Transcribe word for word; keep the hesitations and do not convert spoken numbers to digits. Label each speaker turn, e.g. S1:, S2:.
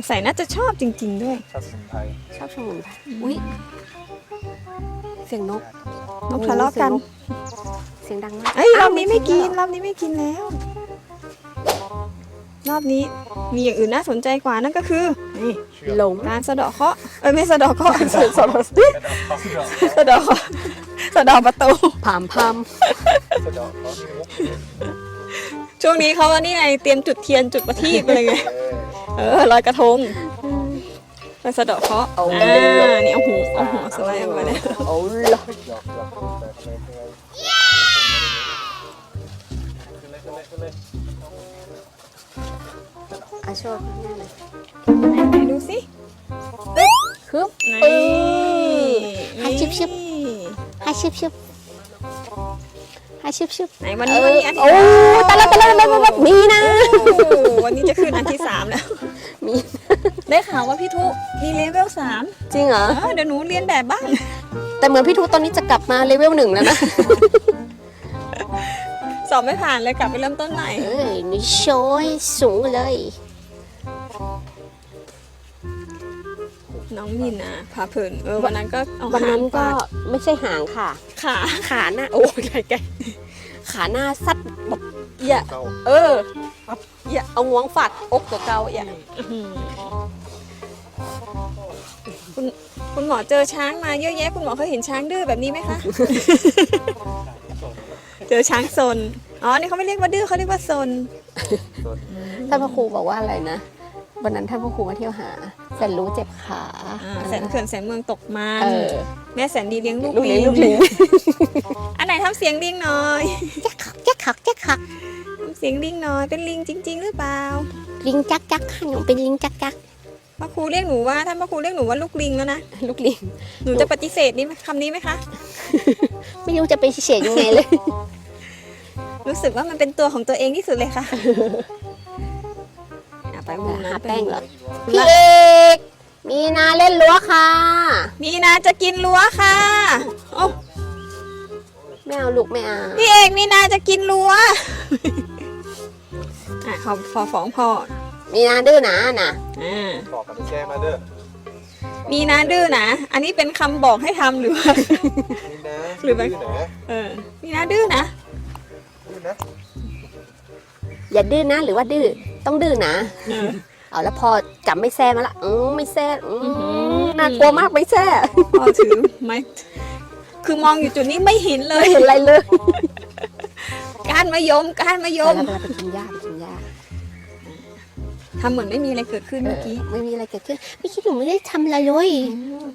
S1: งสัยน่าจะชอบจริงๆด้วย
S2: ชอบสมุนไพร
S3: ชอบสมุนไพรอุ้ยเสียงนก
S1: นกทะเลาะกัน
S3: เสียงดังมาก
S1: เอ้ยรอบนี้ไม่กินรอบนี้ไม่กินแล้ว รอบนี้มีอย่างอื่นน่าสนใจกว่านั่นก็คือนี่
S2: เชื่อม
S3: หลง
S1: การสะเดาะเคราะห์เอ้ยไม่สะเดาะเคราะห์สะเดาะ
S2: กระดาษเขาเชื่อม
S1: สะเดาะเคราะห์สะเดาะประตู
S3: ผามพาม
S2: กระดาษเขาที่มุก
S1: ช่วงนี้เขาว่านี่ไงเตรียมจุดเทียนจุดประทีปอะไรไง
S2: เออ
S1: เออลอยกระทงไปสะเดาะเคราะห์อ่านี่เอาหูเอาหัวสไลด์ออกมาเลย
S3: โอ้ย
S2: หยอกหยอกแต่ทำไมทำไมขึ้นเลยขึ้นเลยขึ้นเลย
S3: อาโชว์นี่เลย
S1: ไหนดูสิ
S3: ฮึบ
S1: นี่
S3: เออให้ชิบชิบ ให้ชิบชิบให้ชิบชิบ
S1: ไหนวันนี้วันนี้อันที่
S3: โอ้ตะละตะละตะละแบบนี้นะ
S1: โอ้วันนี้จะขึ้นอันที่สามแล้ว
S3: มี
S1: ได้ข่าวว่าพี่ทุมีเลเวลสาม
S3: จริงเหรอ
S1: เออเดี๋ยวหนูเรียนแบบบ้าง
S3: แต่เหมือนพี่ทูตอนนี้จะกลับมาเลเวลหนึ่งแล้วนะ
S1: สอบไม่ผ่านเลยกลับไปเริ่มต้นใหม่
S3: เอ้ยนี่โชยสูงเลย
S1: น้องมินนะพาเพลินเออวันนั้นก็เอา
S3: วันนั้นก็
S1: หางฟาด
S3: ไม่ใช่หางค่ะ
S1: ขา
S3: ขาหน้าโอ้ยไกลไกลขาหน้าซัดแบบอย่า
S2: เข้า
S3: เอออย่าเอางวงฝาดอกตัวเก่าอย่า
S1: อื้อหือคุณคุณหมอเจอช้างมาเยอะแยะคุณหมอเคยเห็นช้างดื้อแบบนี้ไหมคะ เจอช้างซนอ๋อนี่เขาไม่เรียกว่าดื้อเขาเรียกว่าซน
S3: ท่านพระครูบอกว่าอะไรนะวันนั้นท่านพระครูมาเที่ยวหาแสนรู้เจ็บขา
S1: อ่าแสนเขื่อนแสนเมืองตกมัน
S3: เออ
S1: แม่แสนดีเลี้ยงลูก
S3: ลูก
S1: ลิ
S3: เลี้ยง
S1: ง
S3: ลูกลิง
S1: อันไหนทำเสียงลิงหน่อย
S3: แจ๊กขักแจ๊กขัก
S1: ทำเสียงลิงหน่อยเป็นลิงจริง ๆ หรือเปล่า
S3: ลิงจักจักค่ะหนูเป็นลิงจักจัก
S1: พระครูเรียกหนูว่าท่านพระครูเรียกหนูว่าลูกลิงแล้วนะ
S3: ลูกลิง
S1: หนูจะปฏิเสธนี่คำนี้ไหมคะ
S3: ไม่รู้จะไปเฉียดยังไงเลย
S1: รู้สึกว่ามันเป็นตัวของตัวเองที่สุดเลยค่ะอ่ะไปมุมนั้น
S3: หาแป้งเหรอ
S1: ไป
S3: พี่เอกมีนาเล่นรั้วค่ะ
S1: มีนาจะกินรั้วค่ะโอ้
S3: ไม่เอาลูกไม่เอา
S1: พี่เอกมีนาจะกินรั้วอ่ะเขาพอฟ้องพ่อ
S3: มีนาดื้อหนาน่ะ
S1: อ่า
S2: บอกกับพี่แจ้มาเด้อ
S1: มีนาดื้อนะอันนี้เป็นคำบอกให้ทำหรือว่า
S2: นี่นะ
S1: หรือไม่
S2: ดื้นะ
S1: เออมีนาดื้อนะ
S2: ดื้อนะ
S3: อย่าดื้อนะหรือว่าดื้อต้องดื้อนะ
S1: เออ
S3: เอาแล้วพอจับไม่แซ่มาละอืมไม่แซ่อื
S1: อื้อหื
S3: ม
S1: อ
S3: น่ากลัวมากไม่แซ่
S1: พ่อถือไม้คือมองอยู่จุดนี้ไม่เห็นเล
S3: ไม่
S1: ย
S3: เห็นอะไรเลย
S1: การมะยมการมะยม
S3: แล้วไปกินหญ้าไปกินหญ้า
S1: ทำเหมือนไม่มีอะไรเกิดขึ้นเมื่อกี้
S3: ไม่มีอะไรเกิดขึ้นไม่คิดหนูไม่ได้ทำอะไรเลย